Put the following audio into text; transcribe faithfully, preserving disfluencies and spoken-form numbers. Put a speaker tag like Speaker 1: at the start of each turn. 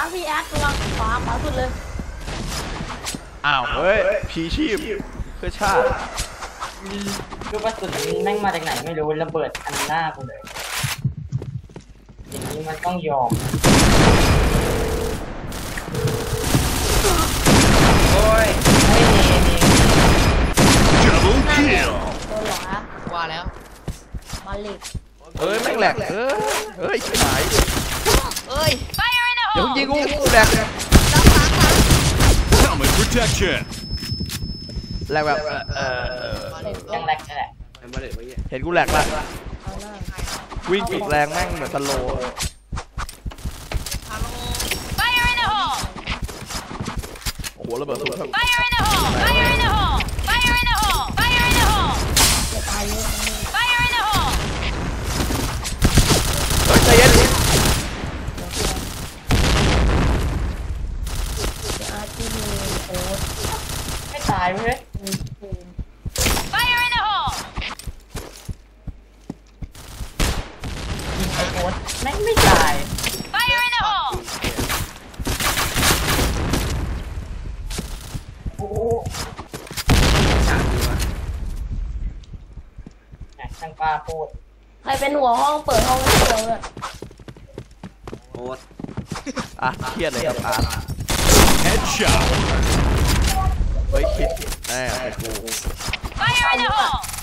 Speaker 1: พี่แอดระวังขวาขวาสุดเลย
Speaker 2: อ้าวเฮ้ยพีชีพเพื่อชาติ
Speaker 3: ลูกกระสุนแม่งมาจากไหนไม่รู้ระเบิดอันหน้ากูเลยอย่างนี้มันต้องยอมโอ้ยไม่เนเน
Speaker 4: Double kill
Speaker 1: ตัวหรอฮะ
Speaker 5: ว่าแล้ว
Speaker 1: มาลิก
Speaker 2: เอ้ยแม่งแหลกเอ้ยเอ้ยชิบหาย
Speaker 5: เอ้ย
Speaker 2: เดี๋ยวยิงกูกูแหลก
Speaker 5: หลังหลังหลัง
Speaker 4: Helmet protection
Speaker 2: แหลกแบบเออ
Speaker 3: ยังแรกนั่นแหละ
Speaker 2: เห็นกูแหลกละ
Speaker 1: เอาหน้า
Speaker 2: วิ่งอีกแรงแม่งเหมือนสโลว์
Speaker 5: ฮัลโหล
Speaker 2: โอ้โหระเบิดสูงครับ
Speaker 1: จะตายเยอะตรงนี้
Speaker 2: เฮ้ยใจเย็น
Speaker 1: จะอาร์ตี้มีโอ๊ต
Speaker 3: ไม่ตายเว้ย
Speaker 1: มีภูมิ
Speaker 3: ยิงไอโอ๊ตแม่งไม่ตายโอ้โหช่างป้าพูด
Speaker 1: ใครเป็นหัวห้องเปิดห้องให้เดียวเลย
Speaker 6: โอ๊ต
Speaker 2: อ่ะเครียดเลยครับอาร์ต
Speaker 4: Headshot
Speaker 2: เฮ้ยคิดแน่เป็นกู
Speaker 1: Fire in the hole